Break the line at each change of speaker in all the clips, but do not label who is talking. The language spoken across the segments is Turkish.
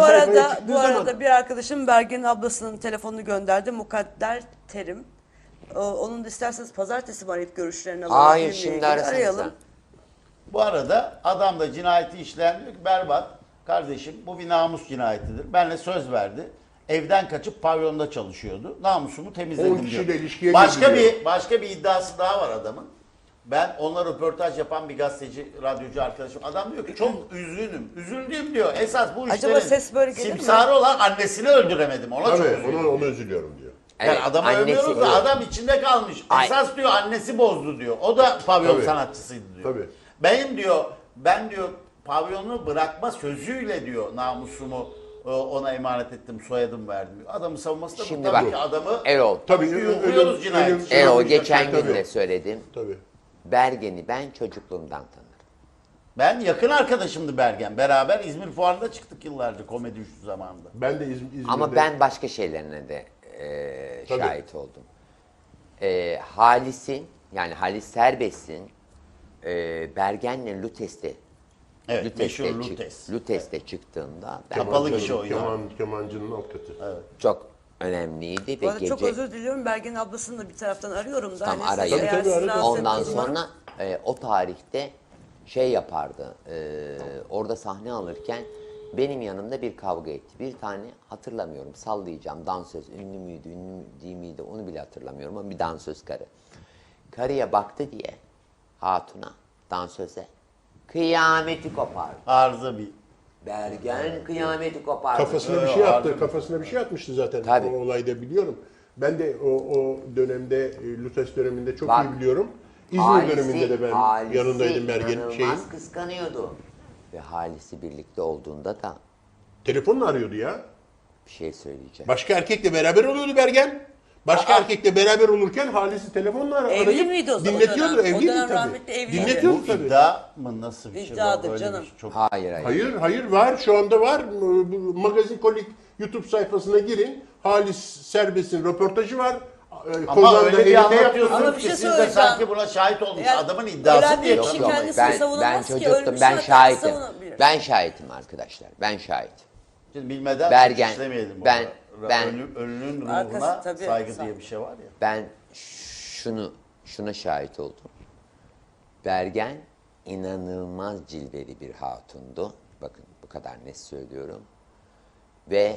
Bu arada bir arkadaşım Bergen'in ablasının telefonunu gönderdi. Mukadder Terim. Onun da isterseniz pazartesi mi arayıp görüşlerini alalım.
Hayır, şimdi arasın.
Bu arada adam da cinayeti işleyen diyor ki berbat kardeşim bu bir namus cinayetidir. Benle söz verdi. Evden kaçıp pavyonda çalışıyordu. Namusumu temizledim
10
diyor.
kişiyle ilişkiye
Başka bir iddiası daha var adamın. Ben onunla röportaj yapan bir gazeteci, radyocu arkadaşım. Adam diyor ki çok üzgünüm. Üzüldüğüm diyor. Esas bu
Acaba
işlerin
ses böyle gelir mi?
simsarı olan annesini öldüremedim. Ona çok
Tabii
üzülüyorum.
ona üzülüyorum diyor.
Yani
Evet,
adamı
annesi
övüyoruz da
öyle.
adam içinde kalmış.
Ay.
Esas diyor annesi bozdu diyor. O da pavyon
Tabii.
sanatçısıydı diyor.
Tabii.
Ben diyor pavyonu bırakma sözüyle diyor namusumu ona emanet ettim, soyadım verdim diyor. Adamı savunması da
Şimdi
bu. Tabii
bak,
ki adamı
Erol.
Tabii
yuhluyoruz cinayet.
Erol geçen
Tabii.
gün de söyledim.
Tabii.
Bergen'i ben çocukluğumdan tanırım.
Ben yakın arkadaşımdı Bergen. Beraber İzmir Fuarı'nda çıktık yıllarca komedi üçlü zamanında.
Ben de İzmir'de...
Ama ben başka şeylerine de
Tabii.
şahit oldum. Halis'in, yani Halis Serbest'in Bergen'le Lutes'te
Evet, meşhur Lutes.
Lutes'te çıktığında ben
Kapalı kişi oynar.
Kemancının alt katı. Evet.
çok önemliydi
Bu
ve
arada çok özür diliyorum. Bergen'in ablasını da bir taraftan arıyorum da.
Tam
Hani
arayın.
eğer
Tabii,
sizi
arayın.
rahatsız
Ondan
ettiysem-
sonra o tarihte şey yapardı. Orada sahne alırken benim yanımda bir kavga etti. Bir tane hatırlamıyorum, sallayacağım, dansöz, ünlü müydü, ünlü değil miydi onu bile hatırlamıyorum ama bir dansöz karı. Karıya baktı diye hatuna, dansöze kıyameti kopardı.
Arıza bir.
Bergen kıyameti kopardı.
Kafasına bir şey attı. Kafasına bir şey atmıştı zaten.
Tabii.
O olayda biliyorum. Ben de o dönemde Lutes döneminde çok
Bak,
iyi biliyorum. İzmir
Halis'i-
döneminde de ben
Halis'i
yanındaydım Bergen'in
inanılmaz
şeyin.
kıskanıyordu. Ve Halis'i birlikte olduğunda da
Telefonla arıyordu ya.
bir şey söyleyeceğim.
Başka erkekle beraber oluyordu Bergen. Başka erkekle beraber olurken Halis'i telefonla arayıp
Evli miydi o zaman?
dinletiyordu.
O dönem? O
Evliydi
dönem
tabii.
rahmetli evliydi.
Dinletiyordu
Bu
tabii.
iddia mı nasıl bir şey?
İddiadır
Böyle bir
canım.
şey çok...
Hayır.
Hayır var. Şu anda var. Bu Magazin Kolik YouTube sayfasına girin. Halis Serbest'in röportajı var.
Ama öyle bir
elinde
anlatıyorsunuz
Ama bir
ki
şey
siz de
söyleyeceğim.
sanki buna şahit olmuş.
Yani
Adamın iddiası
ölen
diye
bir kişi
kalıyor.
kendisini savunamaz ki,
çocuktum,
ölmüş
ben
zaten
şahitim.
savunabilir.
Ben şahitim arkadaşlar. Ben şahitim.
Şimdi bilmeden
Bergen,
suç işlemeyelim.
ben-
orada.
ben-
Ölünün
Arkası
ruhuna
tabii,
saygı
sağ-
diye bir şey var ya.
Ben şuna şahit oldum. Bergen inanılmaz cilveli bir hatundu. Bakın bu kadar net söylüyorum. Ve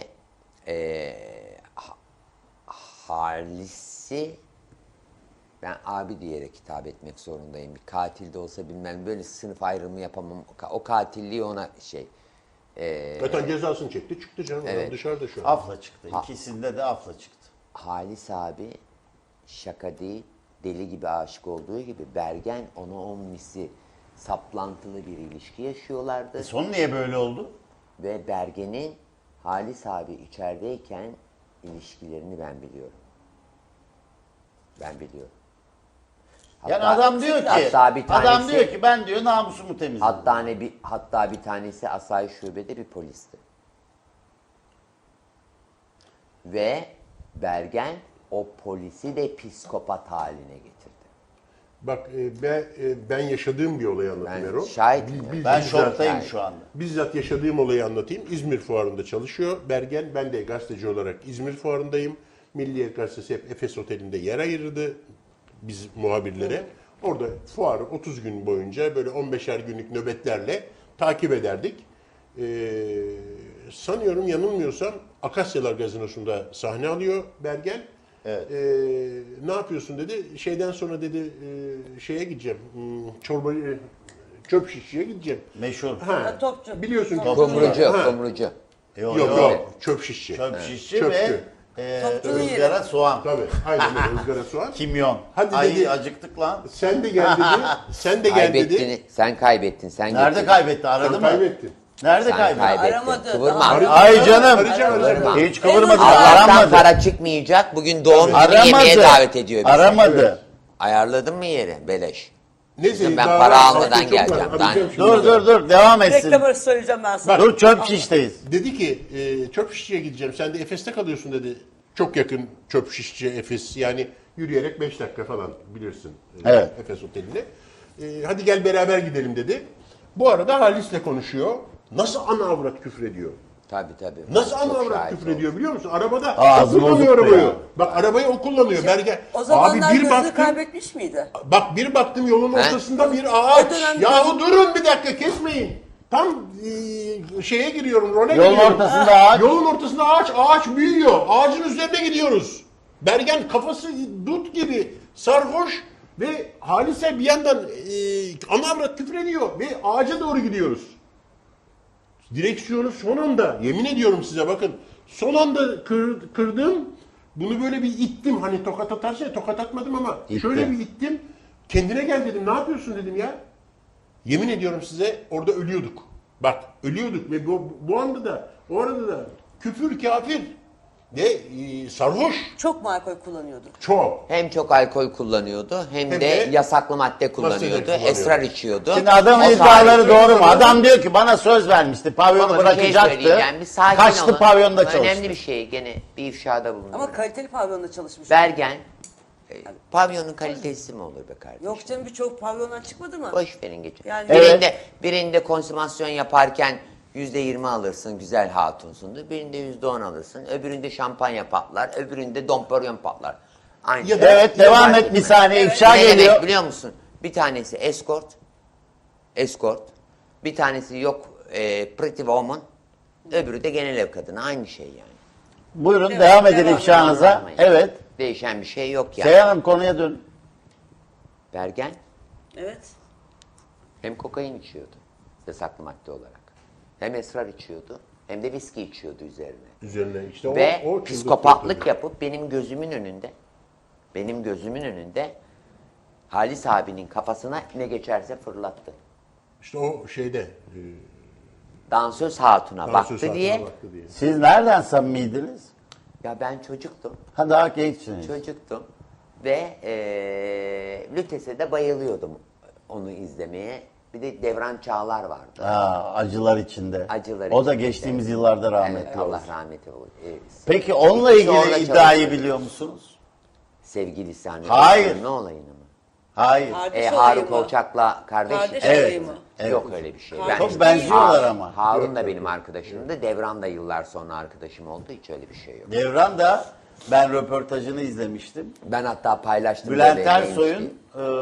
Halis'i ben abi diyerek hitap etmek zorundayım. Bir katil de olsa bilmem böyle sınıf ayrımı yapamam. O katilliği ona
Zaten cezasını çekti. Çıktı canım.
Evet.
Adam dışarıda şu an.
Afla çıktı. İkisinde de afla çıktı.
Halis abi şaka değil, deli gibi aşık olduğu gibi Bergen ona on misli saplantılı bir ilişki yaşıyorlardı.
Son niye böyle oldu?
Ve Bergen'in Halis abi içerideyken ilişkilerini ben biliyorum. Ben biliyorum.
Yani adam diyor ki,
hatta bir tanesi-
adam diyor ki ben diyor namusumu temizledim.
Hatta bir tanesi asayiş şubede bir polisti. Ve Bergen o polisi de psikopat haline getirdi.
Bak ben yaşadığım bir olayı anlatayım
Ben
Erol.
şahitim.
Ben
bizzat-
şoktayım şu anda.
Bizzat yaşadığım olayı anlatayım. İzmir Fuarı'nda çalışıyor Bergen. Ben de gazeteci olarak İzmir Fuarı'ndayım. Milliyet Gazetesi hep Efes Oteli'nde yer ayırdı biz muhabirlere. Orada fuarı 30 gün boyunca böyle 15'er günlük nöbetlerle takip ederdik. Sanıyorum yanılmıyorsam Akasyalar Gazinosu'nda sahne alıyor Bergen.
Evet.
Ne yapıyorsun dedi. Şeyden sonra dedi şeye gideceğim. Çöp şişçiye gideceğim.
Meşhur.
Ha,
Topçu.
biliyorsun ki.
Kumrucu,
Ha.
kumrucu.
Yok,
Yok. Çöp şişçi.
Çöp şişçi
Çöpçü.
ve
Topçunun yeri.
ızgara soğan.
Tabii. Aynen öyle ızgara soğan.
Kimyon.
Hadi
Ay
dedi.
acıktık lan.
Sen de gel dedi. Sen de gel dedi.
Sen kaybettin. Sen
Nerede
getirdin.
kaybetti? Aradı
Sen
mı?
kaybettin.
Nerede
Sen
kaybetti?
kaybettin.
Aramadı.
Kıvırma.
Daha-
Ay canım.
Arayacağım.
Hiç kıvırmadı.
Allah'tan
Aramadı.
para çıkmayacak. Bugün doğum günü yemeğe davet ediyor bizi.
Aramadı.
Ayarladın mı yeri? Beleş.
Neyse
Ben
daha
para
var,
almadan
çok var.
geleceğim.
Arayacağım şimdi.
Dur devam etsin.
Reklam arası söyleyeceğim ben sana.
Dur çöp şişteyiz.
Dedi ki çöp şişçiye gideceğim. Sen de Efes'te kalıyorsun dedi. Çok yakın çöp şişçi Efes. Yani yürüyerek 5 dakika falan bilirsin.
Evet.
Efes Oteli'ne. Hadi gel beraber gidelim dedi. Bu arada Halis'le konuşuyor. Nasıl ana avrat küfrediyor.
Tabii.
Nasıl
Çok
ana avrat
şahit
küfür
oldum.
ediyor biliyor musun? Arabada
Ağzı
o kullanıyor
bozuktu
arabayı.
ya.
Bak arabayı o kullanıyor. Bergen.
O zamanlar
Abi bir
gözünü
baktım.
kaybetmiş miydi?
Bak bir baktım yolun
He?
ortasında bir ağaç.
O dönem
Yahu durun bir dakika kesmeyin. Tam şeye giriyorum, role
Yolun
giriyorum.
ortasında ağaç.
Yolun ortasında ağaç büyüyor. Ağacın üzerine gidiyoruz. Bergen kafası dut gibi sarhoş ve Halise bir yandan ana avrat küfür ediyor ve ağaca doğru gidiyoruz. Direksiyonu son anda, yemin ediyorum size bakın, son anda kırdım. Bunu böyle bir ittim. Hani tokat atarsa tokat atmadım ama
İtti.
şöyle bir ittim. Kendine gel dedim. Ne yapıyorsun dedim ya. Yemin ediyorum size orada ölüyorduk. Bak ölüyorduk ve bu anda da o arada da küfür kafir ve sarhoş
Çok mu alkol kullanıyordu?
çok.
Hem çok alkol kullanıyordu hem
Hem
de
de
yasaklı madde kullanıyordu.
kullanıyordu.
Esrar içiyordu.
Şimdi adamın
O
iddiaları
sayede-
doğru mu? Adam diyor ki bana söz vermişti. Pavyonu
Ama bir şey
bırakacaktı.
söyleyeceğim, bir sakin
Kaçtı
olun.
pavyonda
Önemli
çalıştı.
bir şey, gene bir ifşada bulunuyor.
Ama kaliteli pavyonda çalışmış.
Bergen, pavyonun kalitesi mi olur be kardeşim?
Yok canım, birçok pavyondan çıkmadı mı?
Boş verin geçin.
Yani-
Birinde konsumasyon yaparken %20 alırsın, güzel hatunsundur. Birinde %10 alırsın. Öbüründe şampanya patlar. Öbüründe domperyon patlar. Aynı
Ya
şey.
da-
Evet devam et bir saniye ifşa
Ne
geliyor.
demek biliyor musun? Bir tanesi escort. Bir tanesi yok pretty woman. Öbürü de genel ev kadını. Aynı şey yani.
Buyurun
Evet,
devam edin
devam
ifşanıza.
Anlamayın.
Evet.
Değişen bir şey yok yani.
Seyhan Hanım konuya dön.
Bergen
Evet.
hem kokain içiyordu. Yasaklı madde olarak. Hem esrar içiyordu. Hem de viski içiyordu üzerine.
Üzerine işte
Ve
o
psikopatlık yapıp benim gözümün önünde Halis abinin kafasına ne geçerse fırlattı.
İşte o şeyde
Dansöz hatuna
dansöz
baktı
saatine
diye.
baktı diye.
Siz nereden samimiydiniz?
Ya ben çocuktum.
Ha daha gençsiniz.
Ve Lütes'e de bayılıyordum onu izlemeye. Bir de Devran Çağlar vardı.
Ha, acılar içinde.
Acılar
O da
içinde.
geçtiğimiz yıllarda rahmetli
Evet,
oldu.
Allah rahmet eylesin.
Peki onunla
İkisi orada
ilgili iddiayı
çalışıyor.
biliyor musunuz?
Sevgilisi hani.
Hayır.
Ne olayını mı?
Hayır.
Kardeş olayı
Harun
mı?
Kolçak'la kardeş.
Kardeş
Evet.
olayı mı?
Evet.
Yok öyle bir şey.
Kardeş
Çok
değil.
benziyorlar ama.
Harun da benim arkadaşımdı. Devran da yıllar sonra arkadaşım oldu. Hiç öyle bir şey yok.
Devran da ben röportajını izlemiştim.
Ben hatta paylaştım.
Bülent
böyle neymiş diye.
Ersoy'un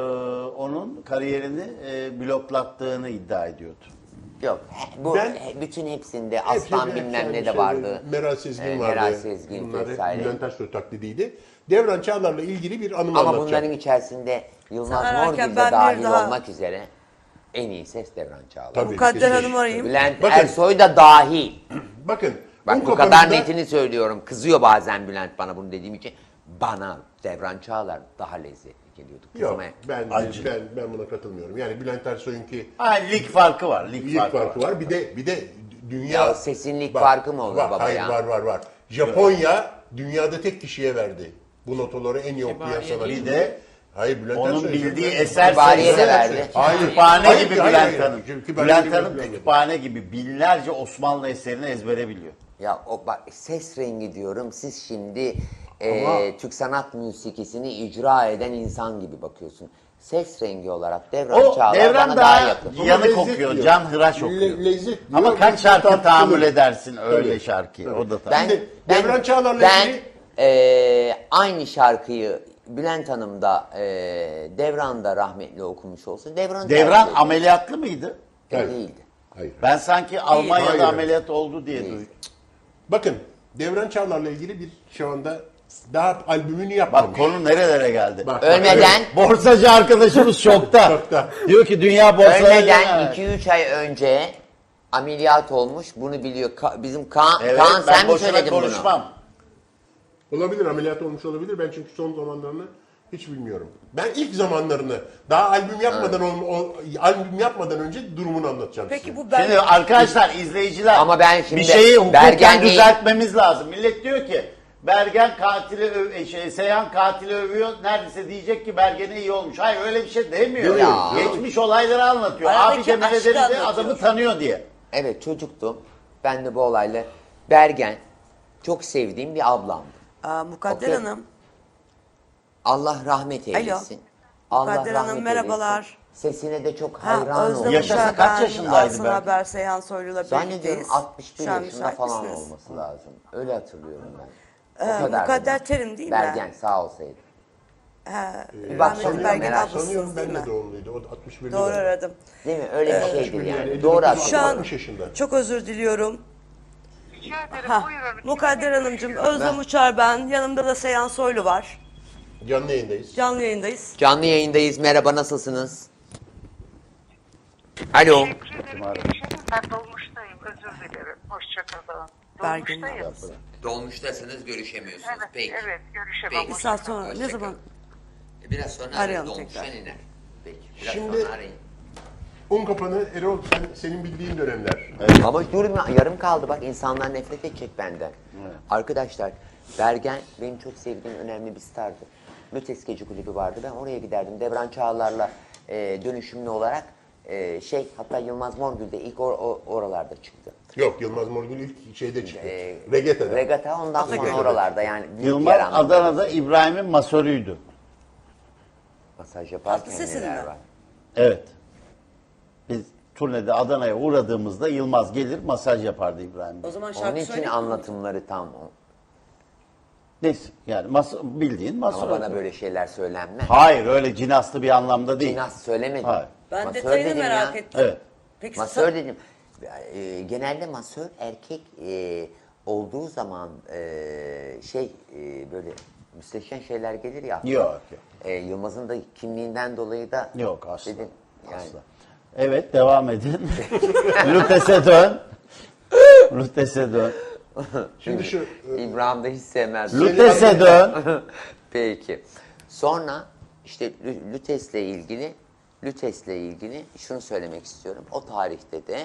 onun kariyerini bloklattığını iddia ediyordu.
Yok. Bu
Ben-
bütün hepsinde aslan
Hepsi
bilmem ne de
şeyde,
vardı.
Meral Sezgin vardı.
Meral Sezgin
Bunlar hep
vesaire.
Bülent Ersoy taklidiydi. Devran Çağlar'la ilgili bir anımı
Ama
anlatacağım.
bunların içerisinde Yılmaz
Sen ararken
Morgül de
ben bir
dahil
daha-
olmak üzere en iyi ses Devran Çağlar.
Tabii.
Mukadder
kesin.
Hanım arayayım.
Bülent
Bakın.
Ersoy da dahil.
Bakın.
Bak
un
bu kadar
kapanında-
netini söylüyorum. Kızıyor bazen Bülent bana bunu dediğim için. Bana Devran Çağlar daha lezzetli geliyordu.
Yok
Kızmaya.
Acı.
ben buna katılmıyorum. Yani Bülent Ersoy'unki
Ha, lig farkı var. Lig
lig farkı var. Bir de dünya
Ya sesin lig farkı mı olur baba
hayır,
ya?
Var. Japonya dünyada tek kişiye verdi. Bu notaları en iyi okuyan sanatçı.
Bir de
Hayır Bülent
onun
Ersoy.
bildiği
Bülent-
eser
Kütüphaneye
sayısı.
de verdi.
Kütüphane
Hayır,
gibi
hayır,
Bülent
hayır.
Hanım.
Kütüphane
Bülent
gibi
Hanım
Bülent
kütüphane gibi binlerce Osmanlı eserini ezbere biliyor.
Ya o bak ses rengi diyorum. Siz şimdi
Ama-
Türk sanat müzikisini icra eden insan gibi bakıyorsun. Ses rengi olarak Devran
O
Çağlar
Devran
bana
daha
daha yakın.
Ama
yanık
lezzet
okuyor,
diyor.
can hıraş okuyor.
Lezzet diyor.
Ama kaç
Lezzet
şarkı
tartışılır.
tahammül edersin öyle
Tabii.
şarkıyı.
Tabii.
O da tabii.
Ben,
Şimdi
ben,
Devran Çağlar'la
ben
ilgili-
aynı şarkıyı Bülent Hanım da Devran da rahmetli okumuş olsa Devran
Devran
tercih
ameliyatlı mıydı?
Hayır.
değildi.
Hayır.
Ben sanki Almanya'da
Hayır.
ameliyat oldu diye
Değil.
duydum.
Bakın Devran Çağlar'la ilgili bir şu anda daha albümünü yapmamış.
Bak konu nerelere geldi.
Bak,
Ölmeden
Borsacı arkadaşımız şokta.
Şokta.
Diyor ki dünya borsaları...
ölmeden 2-3 ay önce ameliyat olmuş. Bunu biliyor. Bizim Kaan,
Evet,
Kaan
ben
sen mi
boşuna
söyledin bunu?
konuşmam.
Olabilir, ameliyat olmuş olabilir. Ben çünkü son zamanlarını hiç bilmiyorum. Ben ilk zamanlarını daha albüm yapmadan önce durumunu anlatacağım
Peki
size.
bu ben...
Şimdi arkadaşlar, izleyiciler
Ama ben şimdi
bir şeyi hukuken
Bergen değil-
düzeltmemiz lazım. Millet diyor ki Bergen Seyhan katili övüyor. Neredeyse diyecek ki Bergen'e iyi olmuş. Hayır öyle bir şey demiyor.
Ya.
Geçmiş olayları anlatıyor.
Aradaki
Abi de
aşkı
nedeni de
anlatıyor.
adamı tanıyor diye.
Evet çocuktum. Ben de bu olayla Bergen çok sevdiğim bir ablamdı.
Mukadder
Okey.
Hanım.
Allah rahmet eylesin. Allah
Mukadder Hanım
rahmet
merhabalar.
eylesin. Sesine de çok
Ha,
hayran
Özlem
oldum.
Yaşasa
Uçar,
kaç
ben,
yaşındaydı
Aslı
belki?
Haber, Seyhan Soylu'yla
Zannediyorum
birlikteyiz.
61
Şu an
yaşında
müsait
falan
misiniz?
olması lazım. Öyle hatırlıyorum ben. O kadar
Mukadder
da.
Terim değil mi?
Bergen sağ olsaydı. Bir
Rahmetli
baksana
Bergen
merak
ablasınız
Sanıyorum
değil
ben de
mi?
doğumluydu. O 61'li
Doğru
galiba.
aradım.
Değil mi? Öyle bir şeydir
61
yani.
yani,
Doğru
59,
Şu an
60 yaşında.
çok özür diliyorum.
Rica ederim,
Ha,
buyurun.
Mukadder Hanımcığım, Özlem Uçar ben. Yanımda da Seyhan Soylu var.
Canlı yayındayız.
Canlı yayındayız.
Canlı yayındayız. Merhaba, nasılsınız? Alo.
Teşekkür ederim. Görüşelim. Ben dolmuştayım. Özür dilerim. Hoşçakalın.
Bergin
Dolmuştayım.
ablası.
Dolmuştasınız, görüşemiyorsunuz.
Evet,
Peki.
evet. Görüşemem.
Peki.
Bir saat sonra ne
Hoşça
zaman?
kalın. Biraz sonra
Arayalım
dolmuştan
tekrar.
iner. Peki. Biraz
Şimdi-
sonra arayın.
Unkapanı Erol senin bildiğin dönemler.
Ama durma, yarım kaldı bak, insanlar nefret edecek benden. Arkadaşlar, Bergen benim çok sevdiğim önemli bir stardı. Mütes Gece Kulübü vardı, ben oraya giderdim. Devran Çağlar'la dönüşümlü olarak hatta Yılmaz Morgül de ilk oralarda çıktı.
Yok, Yılmaz Morgül ilk şeyde çıktı. Regata'da.
Regata ondan sonra
Regata'da.
oralarda yani. büyük
Yılmaz
yer anlamında.
Adana'da İbrahim'in masörüydü.
Masaj yaparken
Tatlı sesinde.
neler var.
Evet. Biz turnede Adana'ya uğradığımızda Yılmaz gelir masaj yapardı İbrahim.
O zaman
Onun
şarkı
için
söyleyeyim mi?
anlatımları tam.
Neyse yani bildiğin masör.
Ama bana böyle şeyler söylenmez.
Hayır öyle cinaslı bir anlamda değil.
Cinas söylemedim.
Hayır.
Ben
Masör
detayını
dedim
merak
ya.
ettim.
Evet.
Peki
Masör dedim. Genelde masör erkek olduğu zaman böyle müsteşen şeyler gelir ya. aklına.
Yok, yok.
Yılmaz'ın da kimliğinden dolayı da
Yok asla.
dedim. Yani,
Asla. Evet devam edin. Lutes'e dön. Lutes'e dön.
Şimdi şu
İbrahim de hiç sevmez.
Lutes'e dön.
Peki. Sonra işte Lütes'le ilgili şunu söylemek istiyorum. O tarihte de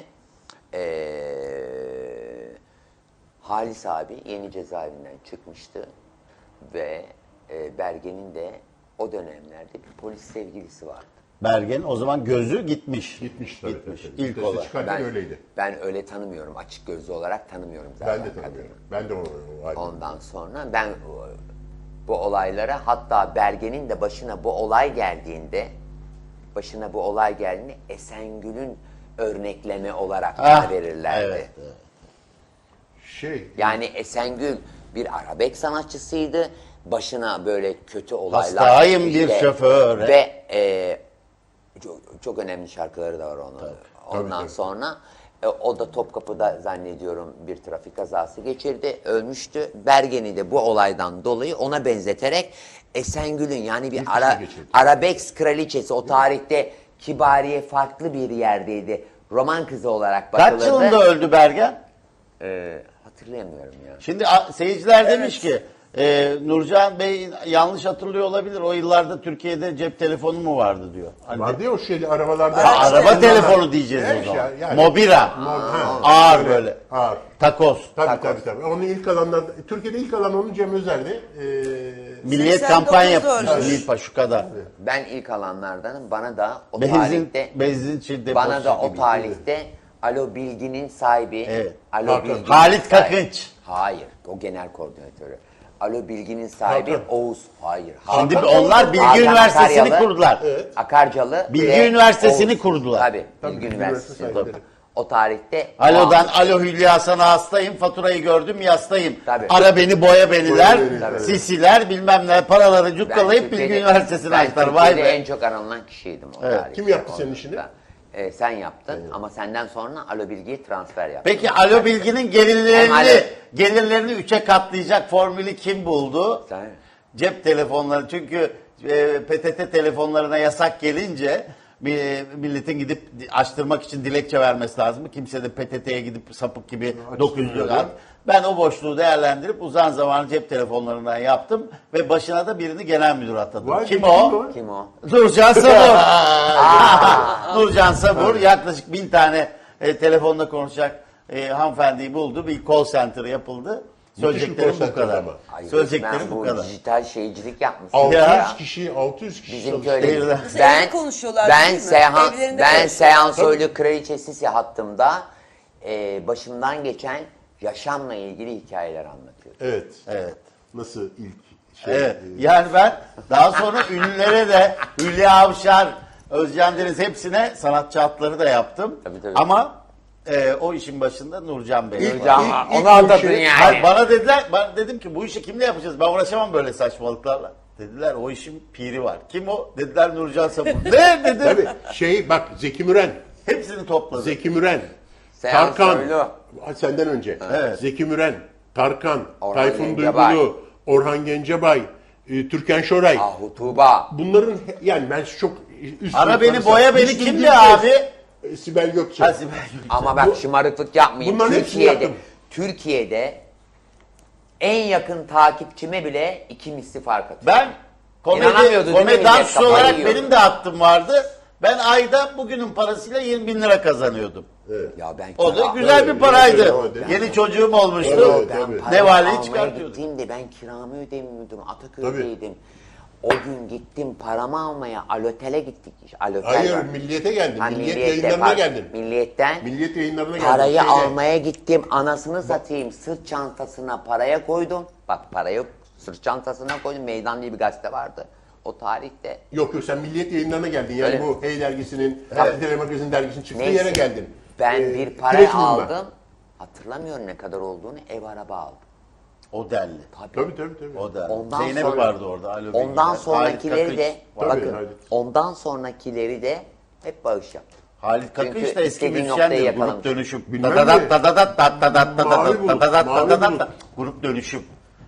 Halis abi Yeni Cezaevinden çıkmıştı ve Bergen'in de o dönemlerde bir polis sevgilisi vardı.
Bergen o zaman gözü gitmiş.
gitmiş tabii.
Gitmiş.
tabii.
İlk
Viteste
olarak.
çıkarken öyleydi.
Ben öyle tanımıyorum. Açık gözlü olarak tanımıyorum zaten.
Ben de tanımıyorum. Ben de o halde.
Ondan sonra ben bu olaylara, hatta Bergen'in de başına bu olay geldiğinde Esengül'ün örnekleme olarak bana verirlerdi.
Evet, evet.
Yani Esengül bir arabek sanatçısıydı. Başına böyle kötü olaylar.
Hastayım bir şoföre.
Ve çok önemli şarkıları da var onun. Ondan
tabii.
sonra o da Topkapı'da zannediyorum bir trafik kazası geçirdi. Ölmüştü. Bergen'i de bu olaydan dolayı ona benzeterek Esengül'ün yani bir arabeks kraliçesi, o tarihte Kibariye farklı bir yerdeydi. Roman kızı olarak bakılırdı.
Kaç yılında öldü Bergen?
Hatırlayamıyorum ya.
Şimdi seyirciler demiş ki Nurcan Bey yanlış hatırlıyor olabilir. O yıllarda Türkiye'de cep telefonu mu vardı diyor. Hani
Vardı ya o şeyli arabalarda.
araba telefonu diyeceğiz o zaman. Mobira. Ağır böyle.
Ağır.
Takoz.
Tabii. Onun ilk alanlar, Türkiye'de ilk alan onun Cem Özer'di.
Milliyet
89'da
kampanya yapmıştı
ölmüş.
Nilpa şu kadar.
Ben ilk alanlardanım. Bana da o tarihte
Benzin deposu
bana da o
gibi.
tarihte Alo Bilgi'nin sahibi
Evet.
Alo Bilgi'nin
Halit
sahibi-
Kakınç.
Hayır, o genel koordinatörü. Alo Bilgi'nin sahibi
Hakan.
Oğuz. Hayır.
Şimdi
Hakan.
onlar Bilgi
Hakan
Üniversitesi'ni
Akaryalı,
kurdular.
Akarcalı
Bilgi
ve
Üniversitesi'ni
Oğuz.
kurdular.
Tabii,
Tabii,
Bilgi
Bilgi
Üniversitesi.
Üniversitesi
Tabii. O tarihte
Alo'dan alo Hülya sana hastayım, faturayı gördüm yastayım.
Tabii.
Ara beni boya beniler,
Boya beni, tabii.
sisiler bilmem ne paraları
ben
cukkalayıp Bilgi
Türkiye'de-
Üniversitesi'ne
ben
açtılar. Vay
Türkiye'de
be.
en çok aranılan kişiydim o
Evet.
tarihte.
Kim yaptı senin
Ondan
işini?
sonra. Sen yaptın ama senden sonra Alo Bilgi'ye transfer yaptın.
Peki Alo Bilgi'nin
Hem
gelirlerini
Alo-
gelirlerini 3'e katlayacak formülü kim buldu?
Sen-
Cep telefonları. Çünkü PTT telefonlarına yasak gelince milletin gidip açtırmak için dilekçe vermesi lazım. Kimse de PTT'ye gidip sapık gibi 900 lira. Ben o boşluğu değerlendirip uzun zaman cep telefonlarından yaptım ve başına da birini genel müdür atadım.
Vay be,
Kim o?
Kim o?
Nurcan Sabur. Nurcan Sabur yaklaşık 1000 tane telefonla konuşacak hanımefendiyi buldu. Bir call center yapıldı. Söyleyeceklerim
call
bu kadar.
center ama.
Ay,
Söyleyeceklerim
ben
bu kadar.
dijital şeycilik yapmışsın.
600
Ya.
kişi, 600 kişi
Bizim
çalıştı.
köyde
Evde
ben
konuşuyorlar
ben
değil mi?
Seyhan
Evlerinde
ben
konuşuyorlar.
Seyhan Soylu kraliçesi hattımda başımdan geçen yaşamla ilgili hikayeler anlatıyorum.
Evet.
Evet.
Nasıl ilk şey?
Evet. Yani ben daha sonra ünlülere de Hülya Avşar, Özcan Deniz hepsine sanatçı hatları da yaptım.
Tabii, tabii.
Ama o işin başında Nurcan Bey.
Nurcan,
var.
onu anlatın yani.
Hayır, bana dediler, ben dedim ki bu işi kimle yapacağız? Ben uğraşamam böyle saçmalıklarla. Dediler o işin piri var. Kim o? Dediler Nurcan Sabun. Ne dedim?
Tabii bak Zeki Müren,
Hepsini topladım.
Zeki Müren,
Seyahat
Tarkan,
Soylu.
senden önce.
Evet.
Zeki Müren, Tarkan,
Orhan
Tayfun
Gencebay.
Duygulu, Orhan Gencebay, Türkan Şoray.
Ahu Tuğba.
Bunların yani ben çok üst
Ara beni,
sınıfları
boya beni
Müslüm
kimdi
Gürses,
abi?
Sibel Gökçe.
Ha, Sibel Gülçin.
Ama bak şımarıklık yapmayın.
Bunların hepsini
Türkiye'de,
yaptım.
Türkiye'de en yakın takipçime bile 2 misli fark atıyor.
Ben
İnanamıyordu değil mi
komedi
millet?
dansçı
Kafayı
olarak
yiyordu.
benim de hattım vardı. Ben ayda bugünün parasıyla 20 bin lira kazanıyordum.
Ya ben
O da
kira-
güzel
Tabii,
bir paraydı.
tabii.
Yeni çocuğum olmuştu.
Evet, tabii.
Parayı
Nevaleyi
almaya
çıkartıyordum.
gittiğimde ben kiramı ödemiyordum. Ataköy'deydim. O gün gittim paramı almaya. Alotel'e gittik. Alotel
Hayır,
var.
Milliyet'e geldin.
Ha,
Milliyet
Milliyet'te,
yayınlarına
pardon.
geldin.
Milliyetten
Milliyet yayınlarına geldin.
parayı
Şeyde.
almaya gittim. Anasını satayım. Sırt çantasına paraya koydum. Bak parayı sırt çantasına koydum. Meydan diye bir gazete vardı. O tarihte.
Yok sen Milliyet yayınlarına geldin. Yani
Öyle.
bu Hey dergisinin, Tele Magazin dergisinin çıktığı
Neyse.
yere geldin.
Ben bir para
Kireç Bulunma.
aldım. Hatırlamıyorum ne kadar olduğunu. Ev araba aldım.
O derli.
Tabii tabii.
O derli.
Ondan
Zeynep
sonra-
vardı orada. Alo
Ondan
Bilgiler.
sonrakileri
Halit
de
Kakış.
Tabii,
bakın.
Halit.
Ondan sonrakileri de hep bağış yaptım.
Halit Kakış
Çünkü
da eski
istediğin noktayı
müzisyendi. Grup
yakalamış.
dönüşüm.
Bilmem
Dadadat
mi?
dadadat dadadat
Mavi bulut,
dadadat
mavi
dadadat
bulut.
Grup dönüşüm.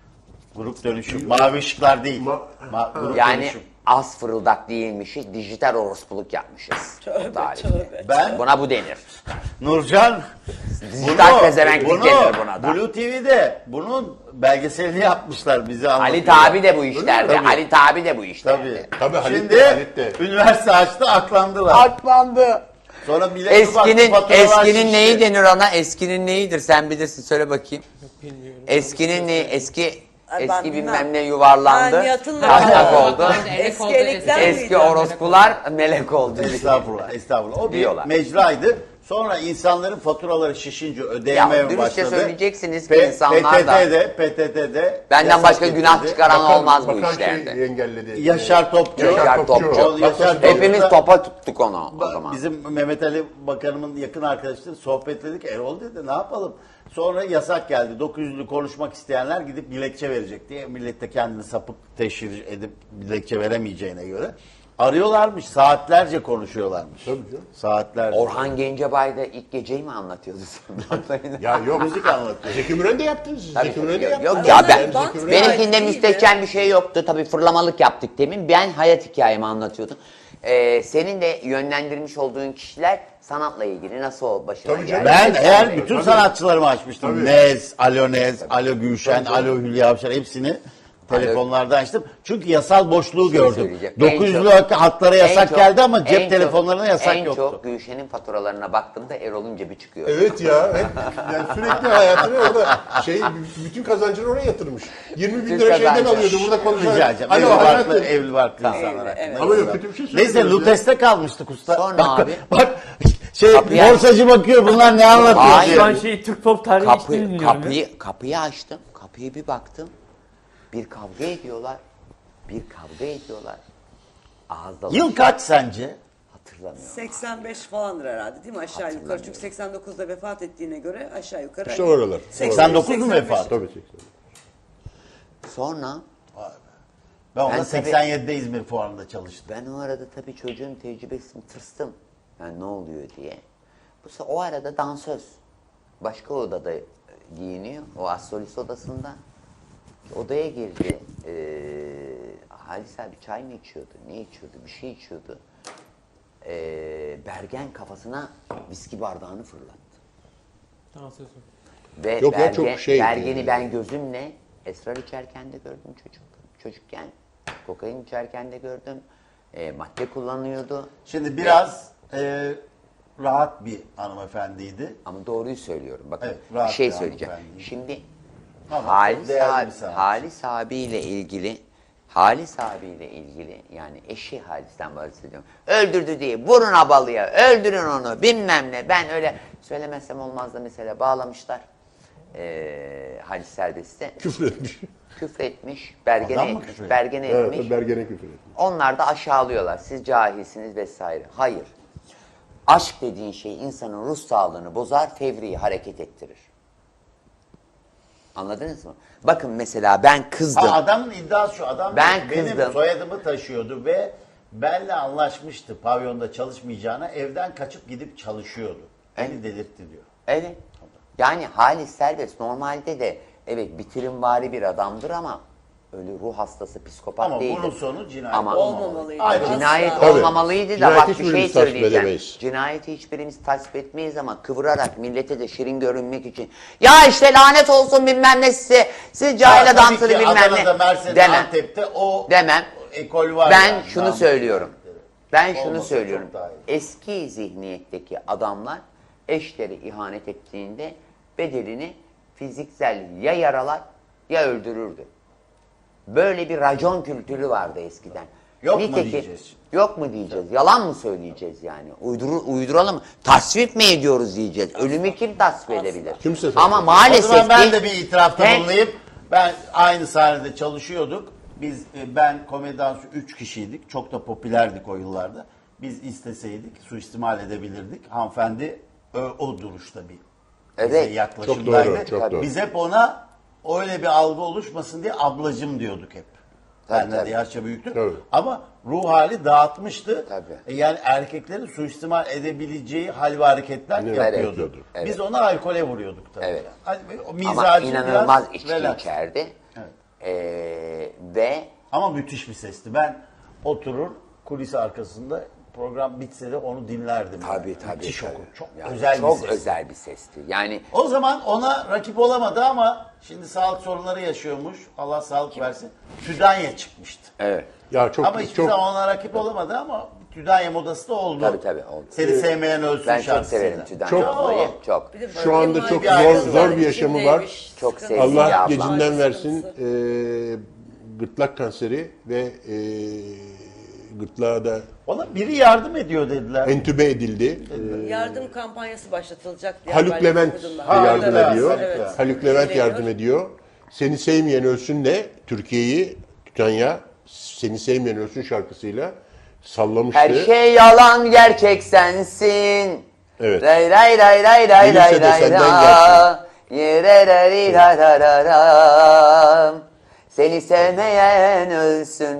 Grup dönüşüm. Mavi ışıklar değil. Grup
Yani
dönüşüm.
az fırıldak değilmişiz, dijital orospuluk yapmışız. o tarihte.
Ben
Buna bu denir.
Nurcan
Dijital pezevenklik denir buna da.
Blue TV'de bunun belgeselini yapmışlar bize
Halit
anlatıyorlar.
abi de bu işlerde.
Tabii.
Halit abi de bu işlerde.
Tabii.
Tabii, Halit
Şimdi
de, Halit de.
üniversite açtı aklandılar.
Aklandı.
Sonra millet bir baktı,
Eskinin
faturalar
eskinin
şişti.
neyi denir ona? Eskinin neyidir? Sen bilirsin. Söyle bakayım. Eskinin neyi?
Ay, ben
Eski
bilmem.
bilmem ne yuvarlandı.
Ben hatırlamıyorum.
Taşak oldu.
Eski elekten
Eski
miydi?
orospular melek oldu.
Estağfurullah, estağfurullah. O bir
Diyorlar.
mecraydı. Sonra insanların faturaları şişince ödeyemeye
Ya, dürüstçe
başladı.
söyleyeceksiniz ki insanlar da-
PTT'de
Benden
yasak
başka günah
getirildi.
çıkaran olmaz bu
Bakan
işlerde.
Şey engelledi.
Yaşar Topçu.
Yaşar Topçu.
O Yaşar
Hepimiz
Topçu'da-
topa tuttuk onu o zaman.
Bizim Mehmet Ali Bakanımın yakın arkadaşları sohbetledik. Erol dedi ne yapalım? Sonra yasak geldi. 900'lü konuşmak isteyenler gidip dilekçe verecek diye. Millet de kendini sapık teşhir edip dilekçe veremeyeceğine göre. Arıyorlarmış. Saatlerce konuşuyorlarmış.
Tabii canım.
Saatlerce.
Orhan Gencebay da ilk geceyi mi anlatıyordu sen?
Ya yok.
Müzik anlatıyor.
Zeki Müren de yaptı. Zeki Müren de yaptı.
Yok ya ben,
Bant
benimkinde
değil
müstehcen bir şey yoktu. Tabii fırlamalık yaptık demin. Ben hayat hikayemi anlatıyordum. Senin de yönlendirmiş olduğun kişiler sanatla ilgili nasıl başına
Tabii
geldi?
canım.
Ben eğer
Tabii.
bütün sanatçılarımı açmıştım.
Tabii.
Nez, Alo Gülşen, Alo Hülya Avşar hepsini telefonlarda açtım. Çünkü yasal boşluğu gördüm.
söyleyeceğim.
900'lü hatlara
En
yasak
çok-
geldi ama
en
cep
çok-
telefonlarına yasak
en
yoktu.
çok Gülşen'in faturalarına baktığımda Erol'un cebi çıkıyor.
Evet ya. Yani sürekli hayatını orada bütün kazancını oraya yatırmış. 20 bin
Bütün
lira şeyden
kazancı.
alıyordu. Burada
Rica
konuşarak.
edeceğim.
Alo
Evli barklı,
hayatım.
evli barklı insanlar
Evli,
hakkında.
evet.
Ama yok kötü bir şey
Neyse
söylüyoruz ya.
Lutes'te kalmıştık usta.
Sonra abi-
Bak
Kapıyı
borsacı bakıyor bunlar ne anlatıyor
Hayır.
diye.
Şu an Türk pop tarihi hiç bilmiyorum.
Kapıyı açtım. Kapıyı bir baktım. Bir kavga ediyorlar. Ağızda
Yıl kaç sence?
hatırlamıyorum.
85 falandır herhalde değil mi aşağı yukarı? Çünkü 89'da vefat ettiğine göre aşağı yukarı.
İşte oralar.
89 mu vefat?
Tabii 80.
Sonra
Ben orada
Ben tabii-
87'de İzmir Fuarı'nda çalıştım.
ben o arada tabii çocuğun tecrübesini tırstım. Yani ne oluyor diye. O arada dansöz. Başka odada giyiniyor. O astrolist odasında. Odaya girdi. Halis abi çay mı içiyordu? Ne içiyordu? Bir şey içiyordu. Bergen kafasına viski bardağını fırlattı. Ve
Yok ya, çok
Bergen'i ben gözümle esrar içerken de gördüm çocukken. Kokain içerken de gördüm. Madde kullanıyordu.
Şimdi biraz rahat bir hanımefendiydi.
Ama doğruyu söylüyorum. Bakın
Evet,
bir
rahat
şey
bir
söyleyeceğim.
hanımefendi.
Şimdi
Ama
Halis,
değerli bir sanatçı.
Halis abiyle ilgili yani eşi Halis'ten bahsediyorum. Öldürdü diye vurun abalıya, öldürün onu bilmem ne. Ben öyle söylemezsem olmaz da mesela bağlamışlar. Halis Serbest'e.
Küfür etmiş.
Küfretmiş, bergene
Adam mı
etmiş,
küfür
bergene etmiş.
Evet, Bergen'e küfür etmiş.
Onlar da aşağılıyorlar. Siz cahilsiniz vesaire. Hayır. Aşk dediğin şey insanın ruh sağlığını bozar, fevri hareket ettirir. Anladınız mı? Bakın mesela ben kızdım.
Adamın iddiası şu. Adam
Ben
benim
kızdım.
soyadımı taşıyordu ve benle anlaşmıştı pavyonda çalışmayacağına. Evden kaçıp gidip çalışıyordu. Beni delirtti diyor.
Evet. Yani Halis Serbest normalde de evet bitirimvari bir adamdır ama öyle ruh hastası, psikopat
Ama
değildir.
bunun sonu cinayet
Ama
olmamalıydı.
Ayrı.
Asla.
cinayet
Tabii.
olmamalıydı da
Cinayeti
bak bir
hiçbirimiz
şey
tasvip
söyleyeceğim.
edemeyiz.
Cinayeti hiçbirimiz tasvip etmeyiz ama kıvırarak millete de şirin görünmek için ya işte lanet olsun bilmem ne size, siz cahil adamsınız bilmem
Adana'da,
ne
Mersin'de,
demem.
Antep'te o
Demem.
ekol var.
Ben
yani.
şunu
Namus
söylüyorum.
kıyafetleri.
Ben şunu
Olmasa
söylüyorum.
çok daha iyi.
Eski zihniyetteki adamlar eşleri ihanet ettiğinde bedelini fiziksel ya yaralar ya öldürürdü. Böyle bir racon kültürü vardı eskiden.
Yok mu diyeceğiz?
Yok mu diyeceğiz? Yalan mı söyleyeceğiz yani? Uyduralım mı? Tasvip mi ediyoruz diyeceğiz? Ölümü kim tasvip edebilir?
Kimse tasvip
Ama
edemez.
O
maalesef
zaman ben
ki-
de bir itirafta
He?
bulunayım. Ben aynı sahnede çalışıyorduk. Ben Komedyansı 3 kişiydik. Çok da popülerdik o yıllarda. Biz isteseydik suistimal edebilirdik. Hanımefendi o duruşta bir bize
Evet.
yaklaşımdaydı.
Çok doğru, çok doğru.
Biz hep ona öyle bir algı oluşmasın diye ablacım diyorduk hep.
Tabii,
Benden de
tabii.
yaşça büyüktür.
Tabii.
Ama ruh hali dağıtmıştı.
Tabii.
Yani erkeklerin suistimal edebileceği hal ve hareketler
Evet.
yapıyordu.
Evet.
Biz ona alkole vuruyorduk tabii.
Evet.
Hani o
ama
mizacı
inanılmaz
biraz
içki
relax.
içerdi.
Evet.
Ve
Ama müthiş bir sesti. Ben oturur kulis arkasında program bitse de onu dinlerdim.
tabii.
Müthiş okur. Çok
Yani
özel
çok
bir ses.
özel bir sesti. Yani
O zaman ona rakip olamadı ama şimdi sağlık sorunları yaşıyormuş. Allah sağlık versin. Tüdanya çıkmıştı.
evet.
Ya çok
Ama hiçbir
çok
zaman ona rakip olamadı ama Tüdanya modası da oldu.
Tabii, oldu.
Seni sevmeyen ölsün
Ben çok
şarkısıyla.
severim Tüdanya
Çok-
ablayı. Çok.
Bir de
Şu anda
böyle
çok
bir
zor-
ailesi
zor
var,
bir yaşamı
içindeymiş,
Çok
sıkıntı.
sevdiğim bir
Allah
abla.
gecinden
Aile
versin.
sıkıntısı.
Gırtlak kanseri ve gırtlağa da
Ona biri yardım ediyor dediler.
entübe edildi.
Yardım kampanyası başlatılacak diye
Haluk
haberleri
Levent
okudum ben.
yardım
Evet,
ediyor.
evet.
Haluk Levent
Geliyor.
yardım ediyor. Seni sevmeyen ölsünle Türkiye'yi Tütanya Seni sevmeyen ölsün şarkısıyla sallamıştı.
Her şey yalan, gerçek sensin.
Evet.
Ray ray ray ray ray
Gelirse
ray
de
ray
senden
ra. Yere ray ray ray ray ray ray. Seni sevmeyen ölsün.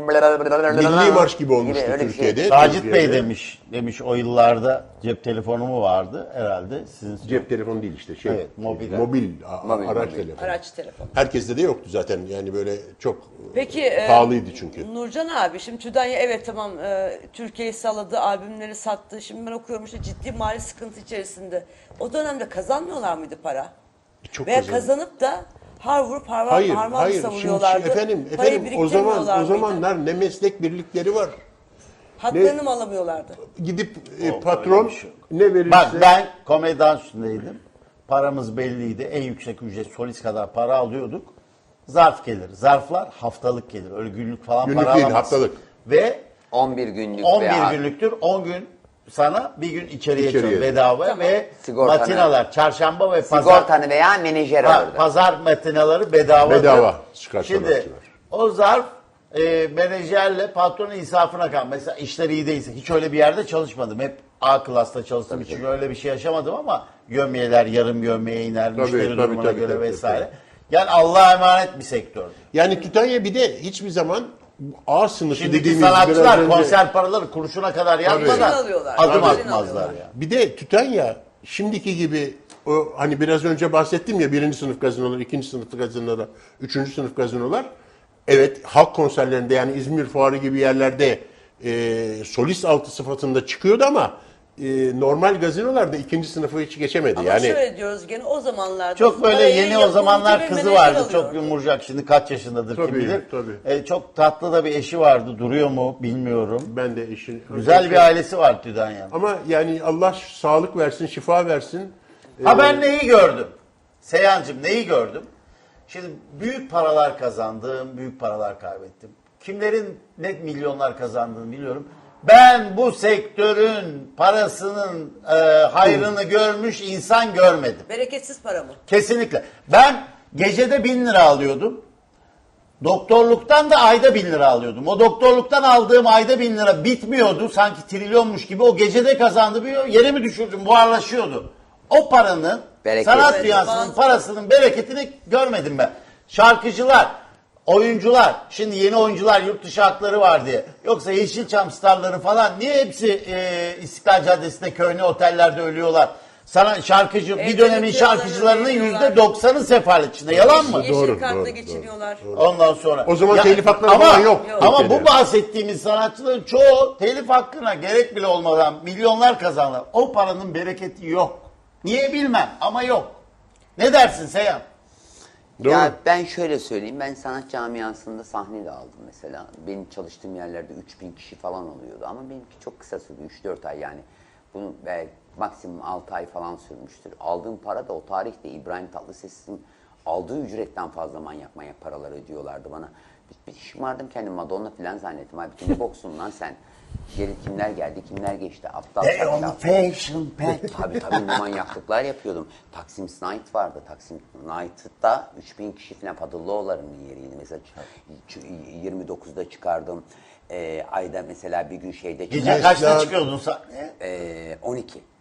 Milli marş gibi olmuştu
öyle bir şey.
Türkiye'de.
Sacit Bey
Türkiye'de.
demiş o yıllarda cep telefonu mu vardı herhalde sizin
Cep telefonu değil işte şey.
Evet, mobil.
Mobil,
Mobil,
araç
mobil.
telefonu.
Araç telefonu.
Herkeste de yoktu zaten yani böyle çok
Peki
pahalıydı çünkü.
Nurcan abi şimdi Tüdanya evet tamam Türkiye'yi salladı, albümleri sattı. Şimdi ben okuyorum işte ciddi mali sıkıntı içerisinde. O dönemde kazanmıyorlar mıydı para?
Çok
Veya
kazandı.
kazanıp da har vurup
Hayır,
harman
hayır. Şimdi
savuruyorlardı.
efendim
Parayı
o
biriktirmiyorlar mıydı?
zamanlar ne meslek birlikleri var.
Haklarını mı alamıyorlardı?
Gidip
öyle
patron
bir şey yok.
ne verirse
Bak ben komedyen üstündeydim. Paramız belliydi. En yüksek ücret solist kadar para alıyorduk. Zarf gelir. Zarflar haftalık gelir. Öyle günlük falan
Günlük
para
değil,
alamazsın.
haftalık.
Ve
11 günlük
11
veya
günlüktür. 10 gün sana bir gün içeriye
İçeriye.
çıkıyor bedava
Tamam.
ve
Sigortanı.
matinalar çarşamba ve pazar
sigortanı veya menajer alırdı.
pazar matinaları bedava.
Bedava çıkar
Şimdi
sanatçılar.
o zarf menajerle patronun insafına kal. Mesela işler iyi değilse hiç öyle bir yerde çalışmadım. Hep A klasta çalıştığım için öyle bir şey yaşamadım ama gömyeler yarım gömyeye iner, müşteri
tabii,
durumuna
tabii,
göre
tabii,
vesaire.
tabii.
Yani Allah'a emanet bir sektör.
Yani Tütanya bir de hiçbir zaman A sınıfı
Şimdiki
dediğimiz biraz
sanatçılar
önce-
konser paraları kuruşuna kadar
Peşin
yapmadan
alıyorlar.
adım
Peşin
atmazlar
alıyorlar.
ya.
Bir de Tütanya şimdiki gibi o hani biraz önce bahsettim ya birinci sınıf gazinolar, ikinci sınıf gazinolar, üçüncü sınıf gazinolar. Evet halk konserlerinde yani İzmir Fuarı gibi yerlerde solist altı sıfatında çıkıyordu ama normal gazinolarda ikinci sınıfı hiç geçemedi.
Ama
yani
şöyle diyoruz gene o zamanlarda.
Çok böyle
parayı
yeni o
yapımcı
zamanlar
ve
kızı
menajer
vardı.
alıyor.
Çok yumurcak. Şimdi kaç yaşındadır kim
Tabii,
bilir.
tabii.
Çok tatlı da bir eşi vardı. Duruyor mu bilmiyorum.
ben de işin
Güzel bir ailesi var Tüdanya'nın.
ama yani Allah sağlık versin, şifa versin.
Ha ben neyi gördüm? Seyhancığım neyi gördüm? Şimdi büyük paralar kazandım, büyük paralar kaybettim. Kimlerin net milyonlar kazandığını biliyorum. Ben bu sektörün parasının hayrını görmüş insan görmedim.
Bereketsiz para mı?
Kesinlikle. Ben gecede 1000 lira alıyordum. Doktorluktan da ayda 1000 lira alıyordum. O doktorluktan aldığım ayda 1000 lira bitmiyordu. Sanki trilyonmuş gibi. O gecede kazandı bir yere mi düşürdüm? Buharlaşıyordu. O paranın,
Bereket.
sanat
Evet,
dünyasının
bazı-
parasının bereketini görmedim ben. Şarkıcılar, oyuncular, şimdi yeni oyuncular yurt dışı hakları var diye. Yoksa Yeşilçam starları falan niye hepsi İstiklal Caddesi'nde köhne otellerde ölüyorlar? Sana şarkıcı, bir
Evde
dönemin
yıkıyorlar,
şarkıcılarının
ölüyorlar.
%90'ı sefalet içinde. Yalan mı?
Yeşil
Doğru,
kartla
doğru,
geçiniyorlar.
Ondan sonra.
O zaman telif hakları falan yok.
Ama
Türkiye'de.
bu bahsettiğimiz sanatçıların çoğu telif hakkına gerek bile olmadan milyonlar kazanırlar. O paranın bereketi yok. Niye bilmem ama yok. Ne dersin Seyhan?
Doğru.
Ya ben şöyle söyleyeyim, ben sanat camiasında sahne de aldım mesela. Benim çalıştığım yerlerde 3000 kişi falan oluyordu ama benimki çok kısa sürdü, 3-4 ay yani. Bunu belki maksimum 6 ay falan sürmüştür. Aldığım para da o tarihte İbrahim Tatlıses'in aldığı ücretten fazla manyak paralar ödüyorlardı bana. Bir şımardım kendimi, Madonna falan zannettim. Abi ne boksun lan sen? Geri kimler geldi, kimler geçti? Aptal
Hey on
şapşal.
the fashion pack.
Tabii ne manyaklıklar yapıyordum. Taksim Night vardı. Taksim Night'ta 3000 kişi falan Padıllıoğulları'nın yeriydi. Mesela 29'da çıkardım. Ayda mesela bir gün şeyde
Gece
çıkardım.
kaçta çıkıyordun sen?
12.